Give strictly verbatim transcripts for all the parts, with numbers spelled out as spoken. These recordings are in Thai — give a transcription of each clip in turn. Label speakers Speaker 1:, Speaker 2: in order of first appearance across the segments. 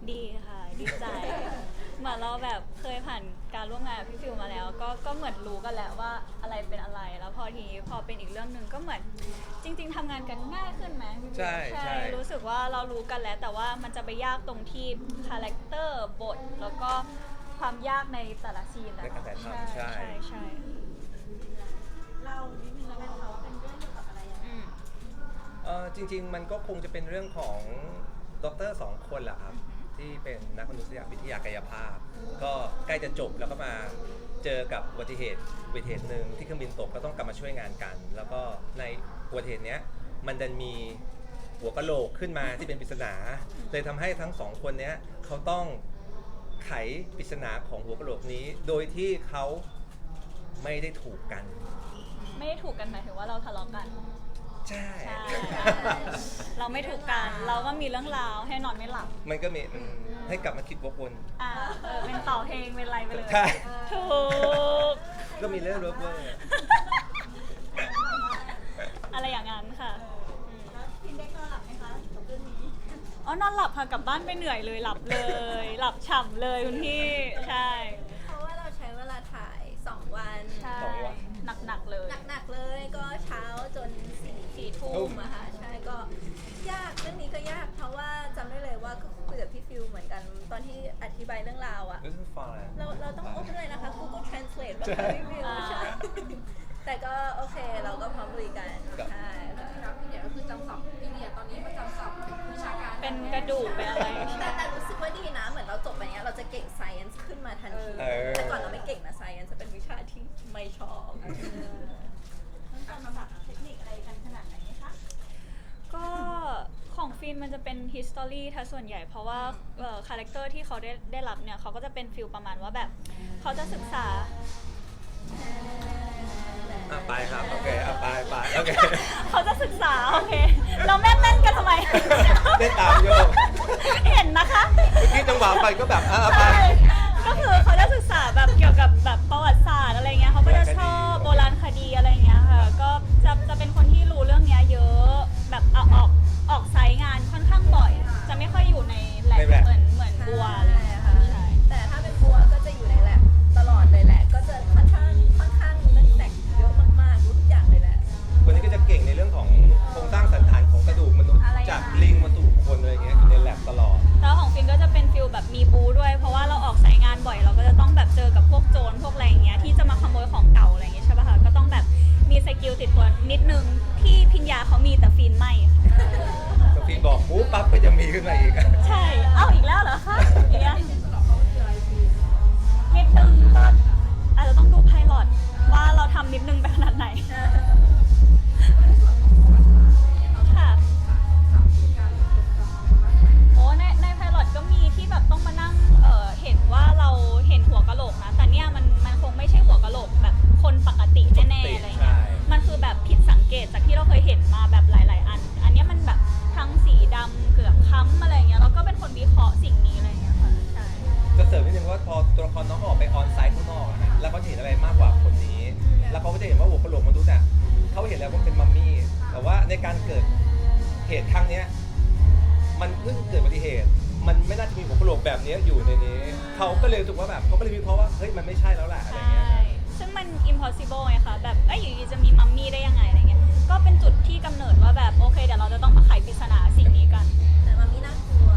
Speaker 1: ดีค่ะดีใจเหมือนเราแบบเคยผ่านการร่วมงานกับพี่ฟิวมาแล้วก็ก็เหมือนรู้กันแล้วว่าอะไรเป็นอะไรแล้วพอทีนี้พอเป็นอีกเรื่องหนึ่งก็เหมือนจริง ๆทำงานกันง่ายขึ้นไหม
Speaker 2: ใช่ใช่
Speaker 1: รู้สึกว่าเรารู้กันแล้วแต่ว่ามันจะไปยากตรงที่คาแรคเตอร์บทแล้วก็ความยากในแต่ละซีนนะ
Speaker 2: ในการถ่ายทำใช่
Speaker 1: ใช่ใช่
Speaker 3: เรานิดนึงแล้วกันค่ะว่าเป็นเรื่องเกี่ยวกับอะไรยังไง
Speaker 2: เออจริงๆมันก็คงจะเป็นเรื่องของด็อกเตอร์สองคนแหละครับที่เป็นนักมนุษยวิทยากายภาพก็ใกล้จะจบแล้วก็มาเจอกับอุบัติเหตุอุบัติเหตุหนึ่งที่เครื่องบินตกก็ต้องกลับมาช่วยงานกัน แล้วก็ในอุบัติเหตุเนี้ยมันดันมีหัวกะโหลกขึ้นมาที่เป็นปริศนาเลยทำให้ทั้งสองคนเนี้ยเขาต้องไขปริศนาของหัวกะโหลกนี้โดยที่เขาไม่ได้ถูกกัน
Speaker 1: ไม่ได้ถูกกันหมายถึงว่าเราทะเลาะกัน
Speaker 2: ใช่
Speaker 1: เราไม่ถูกกันเราก็มีเรื่องราวให้นอนไม่หลับ
Speaker 2: มันก็มีให้กลับมาคิดวกวน
Speaker 1: อ่าเออเป็นต่อเพลงเป็นอะไรไปเลย
Speaker 2: ใช่
Speaker 1: ถูก
Speaker 2: ก็มีเรื่องรบกวน
Speaker 1: อะไรอย่างนั้นค่ะ
Speaker 3: แล้วพินได้นอนหลับไหมคะกับเรื่องนี้
Speaker 1: อ๋อนอนหลับค่ะกลับบ้านไปเหนื่อยเลยหลับเลยหลับฉ่ำเลยคุณพี่ใช่
Speaker 3: เพราะว่าเราใช้เวลาถ่ายสองวัน
Speaker 1: ใช่หนักๆเลย
Speaker 3: หนักๆเลยก็เช้าจนสี่สี่ทุ่มอะค่ะใช่ก็ยากเรื่องนี้ก็ยากเพราะว่าจำได้เลยว่าก็คุยกับพี่ฟิวเหมือนกันตอนที่อธิบายเรื่องราวอะเราเราต้องโอเพนเลยนะคะ Google Translate แบบพี่ฟิวใช่แต่ก็โอเคเราก็พร้อมบริการใช่
Speaker 4: แล้วพี่เนี่ยก็คือจำศัพท์พี่เนี่ยตอนนี้มันจำศัพท์วิชาการ
Speaker 1: เป็นกระดูกเป็นอะไร
Speaker 3: แต่แต่รู้สึกว่าดีนะเหมือนเราจบไปเนี้ยเราจะเก่ง science ขึ้นมาทันทีแต่ก่อนเราไม่เก่งนะ science จะเป็นวิชาที่ไม่ชอบต้องจำศัพท์เทคนิคอะไรกันขนาดไหนคะ
Speaker 1: ก็ของฟิล์มมันจะเป็น history ถ้าส่วนใหญ่เพราะว่าคาแรคเตอร์ที่เขาได้ได้รับเนี่ยเขาก็จะเป็นฟิลประมาณว่าแบบเขาจะศึกษา
Speaker 2: อ่ะไปครับโอเคอ่ะไปไปโอเค
Speaker 1: เขาจะศึกษาโอเคเราแม่นเล่นกันทำไม
Speaker 2: ได้ตามโยก
Speaker 1: เห็นนะคะ
Speaker 2: เมื่อกี้จังหวะไปก็แบบอ่ะไป
Speaker 1: ก็คือเขาจะศึกษาแบบเกี่ยวกับแบบประวัติศาสตร์อะไรเงี้ยเขาก็จะชอบโบราณคดีอะไรเงี้ยค่ะก็จะจะเป็นคนที่รู้เรื่องนี้เยอะแบบเอาออกออกไซต์งานค่อนข้างบ่อยจะไม่ค่อยอยู่ในแลบเหมือนเหมือนบัวเลย
Speaker 3: ค่ะแต่ถ้าเป็นบัวก็จะอยู่ในแลบตลอดเลยแหละก็จะค่อนข้างค่อนข้างเรื่องแต่งเยอะมากๆรู้ทุกอย่างเลยแหละ
Speaker 2: คนนี้ก็จะเก่งในเรื่องของโครงสร้างสันฐานของกระดูกมนุษย์จากลิงมาสู่คนอะไรเงี้ยอยู่ในแลบตลอด
Speaker 1: แล้วของฟินก็จะเป็นฟิลแบบมีบูด้วยเพราะว่าเราออกสายงานบ่อยเราก็จะต้องแบบเจอกับพวกโจรพวกอะไรอย่างเงี้ยที่จะมาขโมยของเก่าอะไรอย่างเงี้ยใช่ป่ะคะก็ต้องแบบมีสกิลติดตัวนิดนึงที่พิญญาเขามีแต่ฟินไม่ค่ะ
Speaker 2: ก็ฟินบอกปุ๊บปั๊บก็จะมีขึ้นมาอีก
Speaker 1: ใช่เอ้าอีกแล้วเหรอคะอย่างเงี้ยนิดนึงอาจจะต้องดูไพลอตว่าเราทำนิดนึงไปขนาดไหนค่ะโอ้ในในไพลอตก็มีที่แบบต้องมานั่งเอ่อเห็นว่าเราเห็นหัวกะโหลกนะแต่เนี่ยมันมันคงไม่ใช่หัวกะโหลกแบบคนปกติแน่ๆอะไรเงี้ยมันคือแบบผิดสังเกตจากที่เราเคยเห็นมาแบบหลายๆอันอันนี้มันแบบทั้งสีดำเกือบค้ำอะไรเงี้ยแล้วก็เป็นคนวิเคราะห์สิ่งนี้อะไรเงี้ยค่ะใช่
Speaker 2: จะเสริมนิดนึงว่าพอตัวละครน้องออกไปออนไซต์ข้างนอกนะแล้วเขาจะเห็นอะไรมากกว่าคนนี้แล้วเขาก็จะเห็นว่าหัวกะโหลกมนุษย์เนี่ยเขาเห็นแล้วว่าเป็นมัมมี่แต่ว่าในการเกิดเหตุครั้งนี้มันเพิ่งเกิดอุบัติเหตุมันไม่น่าจะมีหัวกะโหลกแบบนี้อยู่ในนี้เขาก็เลยรู้สึกว่าแบบเขาก็เลยวิเคราะห์ว่าเฮ้ยมันไม่ใช่แล้วแหละอะไรเงี้ย
Speaker 1: ซึ่งมัน impossible ไงคะแบบเอ้ยอยู่ดีจะมีมัมมี่ได้ยังไงอะไรเงี้ยก็เป็นจุดที่กำเนิดว่าแบบโอเคเดี๋ยวเราจะต้องมาไขปริศนาสิ่งนี้กัน
Speaker 3: แต่มัมมี่น่ากลัว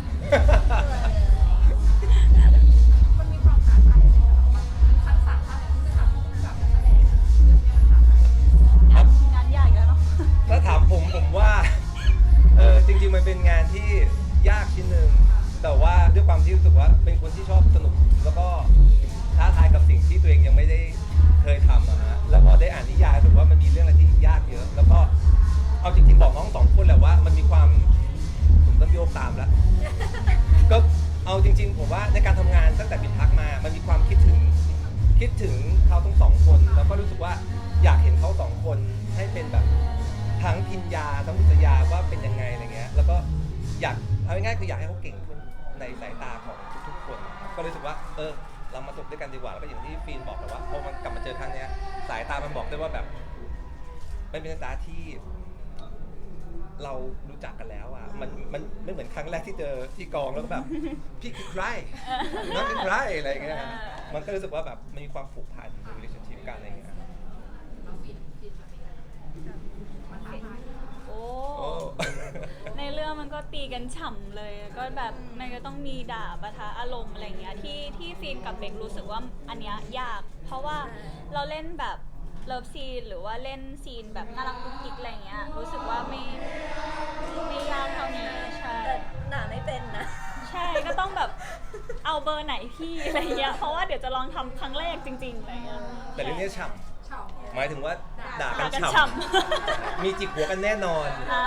Speaker 4: มันมีความท้าทายในเราบ้างทักษะท่าไหนที่จะทำกับนักแสดงเรื่องนี้ค่ะ
Speaker 1: งานยากแล้วเนาะ
Speaker 2: ถ้าถามผมผมว่าเออจริงๆมันเป็นงานที่ยากชิ้นหนึ่งแต่ว่าด้วยความที่รู้สึกว่าเป็นคนที่ชอบสนุกแล้วก็ท้าทายกับสิ่งที่ตัวเองยังไม่ได้เคยทำอะฮะแล้วพอได้อ่านนิยายรู้สึกว่ามันมีเรื่องอะไรที่ยากเยอะแล้วก็เอาจริงๆบอกน้องสองคนแหละว่ามันมีความผมต้องโยกตามแล้วก็เอาจริงๆผมว่าในการทำงานตั้งแต่ปิดพักมามันมีความคิดถึงคิดถึงเขาทั้งสองคนแล้วก็รู้สึกว่าอยากเห็นเขาสองคนให้เป็นแบบทั้งพิญญาทั้งบุษยาว่าเป็นยังไงอะไรเงี้ยแล้วก็อยากเอาง่ายๆคืออยากให้เขาเก่งขึ้นในสายตาของทุกๆคนก็รู้สึกว่าเออเรามาจบด้วยกันดีกว่าแล้วก็อย่างที่ฟีนบอกแต่ว่าพอมันกลับมาเจอครั้งนี้สายตามันบอกได้ว่าแบบมันเป็นสายตาที่เรารู้จักกันแล้วอ่ะมันมันไม่เหมือนครั้งแรกที่เจอที่กองแล้วก็แบบ พี่คือใครน้องคือใครอะไรอย่างเงี้ยมันก็รู้สึกว่าแบบมันมีความผูกพันใน relationship กันอะไรอย่างเงี้ย
Speaker 4: เราฟินฟินแบบนี้มันท้าทาย
Speaker 1: โอ้
Speaker 2: โอ้
Speaker 1: ในเรื่องมันก็ตีกันฉ่ำเลย ก็แบบมันก็ต้องมีด่าปะทะอารมณ์อะไรเงี้ยที่ที่ฟีนกับเบครู้สึกว่าอันเนี้ยยาก เพราะว่าเราเล่นแบบเลิฟซีนหรือว่าเล่นซีนแบบน่ารักกุ๊กกิ๊กอะไรเงี้ยรู้สึกว่าไม่ไม่ยากเท่านี้ใช่
Speaker 3: แต่หนาไม่เป็นนะ
Speaker 1: ใช่ก็ต้องแบบเอาเบอร์ไหนพี่อะไรเงี้ยเพราะว่าเดี๋ยวจะลองทำครั้งแรกจริงๆอะไรเงี้ย
Speaker 2: แต่เรื่องนี้ฉ่
Speaker 4: เฉา
Speaker 2: ำหมายถึงว่าด่ากั
Speaker 1: ด่าน กัน
Speaker 2: ฉ่
Speaker 1: ฉ่
Speaker 2: ำมีจิกหัวกันแน่นอน
Speaker 1: ำอ่า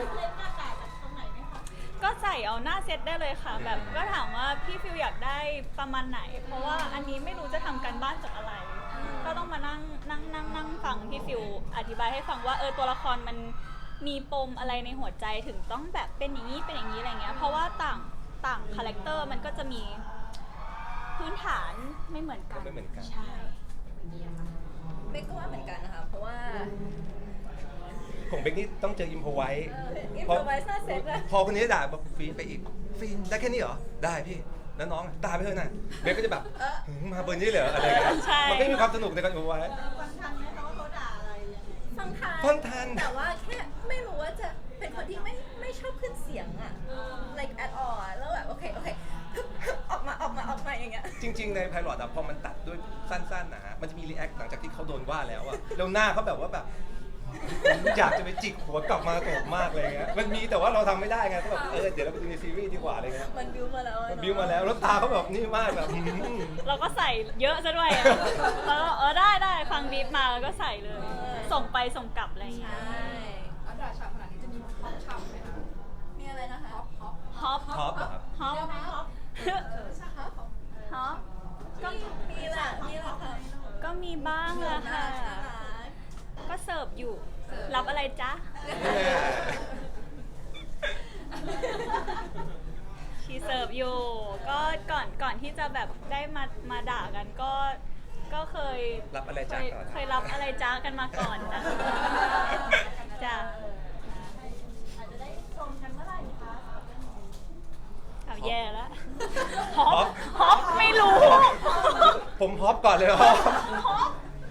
Speaker 1: ก็ใส่เอาหน้าเซตได้เลยค่ะ แบบก็ถามว่าพี่ฟิวอยากได้ประมาณไหน เพราะว่าอันนี้ไม่รู้จะทำการบ้านจากอะไร ก็ต้องมานั่งนั่งนั่งนั่งฟังพี่ฟิวอธิบายให้ฟังว่าเออตัวละครมันมีปมอะไรในหัวใจถึงต้องแบบเป็นอย่างนี้เป็นอย่างนี้อะไรเงี้ยเพราะว่าต่างต่างคาแรคเตอร์มันก็จะมีพื้นฐานไม่เหมือนกัน
Speaker 2: ไม่เหมือนกัน
Speaker 1: ใช่
Speaker 3: เบคก็ว่าเหมือนกันนะคะ เพราะว่า
Speaker 2: ของเบคนี่ต้องเจออิมพอไว้
Speaker 3: อินโฟไวซ์หน้าเซตอะ
Speaker 2: พอคนนี้ด่าบอกฟีนไปอีกฟีนได้แค่นี้เหรอได้พี่แล้วน้องด่าไปเถอะนะเบคก็จะแบบหึมาเบอร์นี้เลยเหรออะไรเงี้ย
Speaker 1: ใช่
Speaker 2: มันก็มีความสนุกในการอิมพอไว้
Speaker 3: ฟังทัน
Speaker 2: ฟังทัน
Speaker 3: แต่ว่าแค่ไม่รู้ว่าจะเป็นคนที่ไม่ไม่ชอบขึ้นเสียงอะ like at all อะแล้วแบบโอเคโอเคออกมาออกมาออกมาอย่างเงี้ย
Speaker 2: จริง ๆ ในไพลอตอะพอมันตัดด้วยสั้นๆนะฮะมันจะมีรีแอคหลังจากที่เขาโดนว่าแล้วอะแล้วหน้าเขาแบบว่าแบบอยากจะไปจิกหัวกลับมาตกมากเลยเงี้ยมันมีแต่ว่าเราทำไม่ได้ไงก็แบบเออเดี๋ยวเราไปดูในซีรีส์ดีกว่าอะไรเงี้ย
Speaker 3: มันบิวมาแล้วอะ
Speaker 2: มันบิวมาแล้วแล้วตาเขาแบบนี่มากแบบหืม
Speaker 1: เราก็ใส่เยอะซะด้วยอะแล้วก็เออได้ได้ฟังบีบมาแล้วก็ใส่เลย ส่งไปส่งกลับอะไรอย่างเงี้ย
Speaker 3: ใช่
Speaker 4: แล้วด่าฉ่ำขนาดนี้จะมีฮอปฉ่ำไหมคะ
Speaker 3: มีอะไรนะคะ
Speaker 4: ฮอปฮอป
Speaker 1: ฮอป
Speaker 2: ท็อปอะครับ
Speaker 1: ฮอป
Speaker 4: ฮอป
Speaker 1: ฮอป
Speaker 3: ก็มีแหละมีแหละค่ะ
Speaker 1: ก็มีบ้างแหละค่ะ
Speaker 3: น่ารัก
Speaker 1: ก็เสิร์ฟอยู่ รับอะไรจ๊ะ ชีเสิร์ฟอยู่ ก็ก่อนก่อนที่จะแบบได้มามาด่ากันก็ก็เคย
Speaker 2: รับอะไร
Speaker 1: เค
Speaker 2: จ้าย ก่อน
Speaker 1: เคยรับอะไรจ้ากันมาก่อนจ้ะจ้ะอาจจะได้ชมกันเมื่อไหร่คะเอาแย่แล้วฮอปฮอปไม่รู้
Speaker 2: ผมฮอปก่อนเลยฮอป
Speaker 1: ฮอป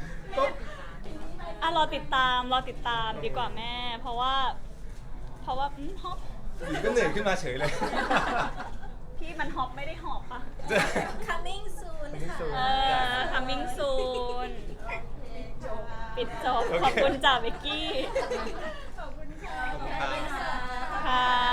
Speaker 1: อ่ะรอติดตามรอติดตามดีกว่าแม่ เพราะว่า เพราะว่าอืมฮอป
Speaker 2: อยู่ก็เหนื่อยขึ้นมาเฉยเลย
Speaker 1: พี่มันฮอปไม่ได้หอบปะ
Speaker 3: coming soon ค่ะ
Speaker 1: เออ coming soon ปิดจบ
Speaker 2: โอเค
Speaker 1: ขอบคุณจ่าเบกกี้
Speaker 4: ขอบคุณค่ะ
Speaker 2: ขอบคุณครับ
Speaker 1: ค่ะ